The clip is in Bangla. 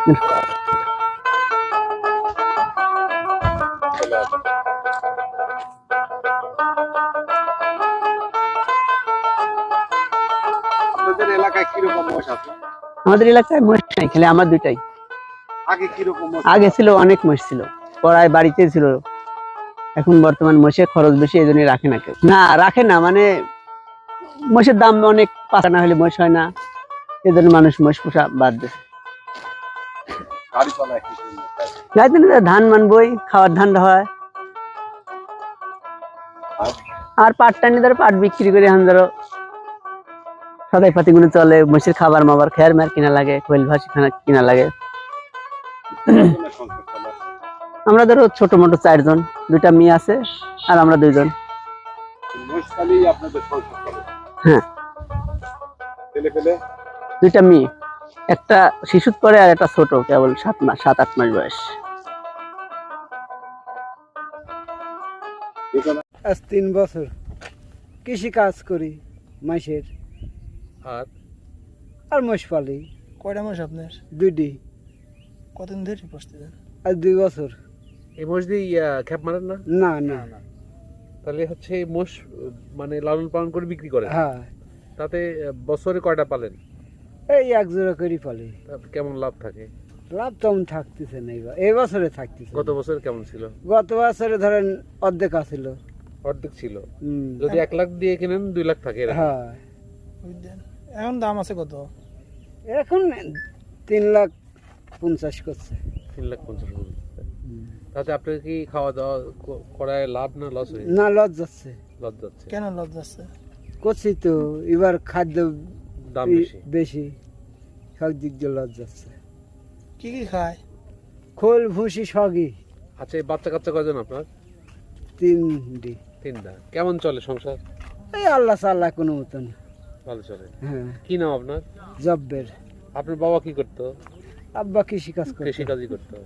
আপনাদের এলাকায় কিরকম মোষ আছে? আমাদের এলাকায় মোষ নাই, খালি আমার দুইটাই। আগে কিরকম মোষ? আগে ছিল, অনেক মোষ ছিল, পড়ায় বাড়িতে ছিল। এখন বর্তমান মোষের খরচ বেশি, এই জন্য রাখে না কেউ। না, রাখে না, মানে মোষের দাম অনেক, পাকা না হলে মোষ হয় না, এই জন্য মানুষ মোষ পোষা বাদ দিচ্ছে। গাড়ি চলায় কি জন্য? যাইতে না ধান মানবই, খাওয়ার ধান হয়, আর পাট টানি ধরো পাট বিক্রি করে এখন ধরো সদাই পাতি গুলো চলে। মোষের খাবার মাবার খেয়ার মার কিনা লাগে, কোয়েল ভাসি খানা কিনা লাগে। কতজনের সংসার চলে? আমরা ধরো ছোট মোটো 4 জন, দুইটা মেয়ে আছে আর আমরা 2 জন। মোষ পালেই আপনাদের সংসার চলে? হ্যাঁ, ছেলে পেলে? দুইটা মেয়ে, একটা শিশুর পরে আর একটা ছোট, কেবল 7-8 মাস বয়স। আজ 3 বছর কৃষি কাজ করি মাসের, আর মোষ পালি। কয়টা মাস আপনার? 2টি। কতদিন ধরে পুষতেছেন? আজ 2 বছর। এই মোষ দিয়ে খ্যাপ মারেন না? না। তাহলে হচ্ছে এই মোষ মানে লালন পালন করে বিক্রি করেন? হ্যাঁ, তাতে বছরে কয়টা পালেন? এই 1 জোড়া করে পালি। তাতে কেমন লাভ থাকে? লাভ তেমন থাকতেছে না, এই বছরে থাকতেছে। গত বছর কেমন ছিল? গত বছরে ধরেন অর্ধেক আছিল। অর্ধেক ছিল। যদি 1 লাখ দিয়ে কিনেন 2 লাখ থাকে এরকম? হ্যাঁ, বুঝলেন? এখন দাম আছে কত? এখন 3,50,000 করছে। 3,50,000। তাতে আপনার কি খাওয়া দাওয়া করায় লাভ না লস হয়ে? না, লস যাচ্ছে। লস যাচ্ছে। কেন লাভ যাচ্ছে? করছি তো, এবার খাদ্য দাম বেশি, সব দিক দিয়ে লস যাচ্ছে। কি খায়? খোল ভুসি সবই। আচ্ছা, এই বাচ্চা কাচ্চা কয়জন আপনার? 3টি। 3টা। কেমন চলে সংসার? এই আল্লাহ সাল্লাহ কোনো মতন। ভালো চলে। হ্যাঁ, কি নাম আপনার? জব্বের। আপনার বাবা কি করতো? আব্বা কৃষি কাজ করে। কৃষি কাজই করতো।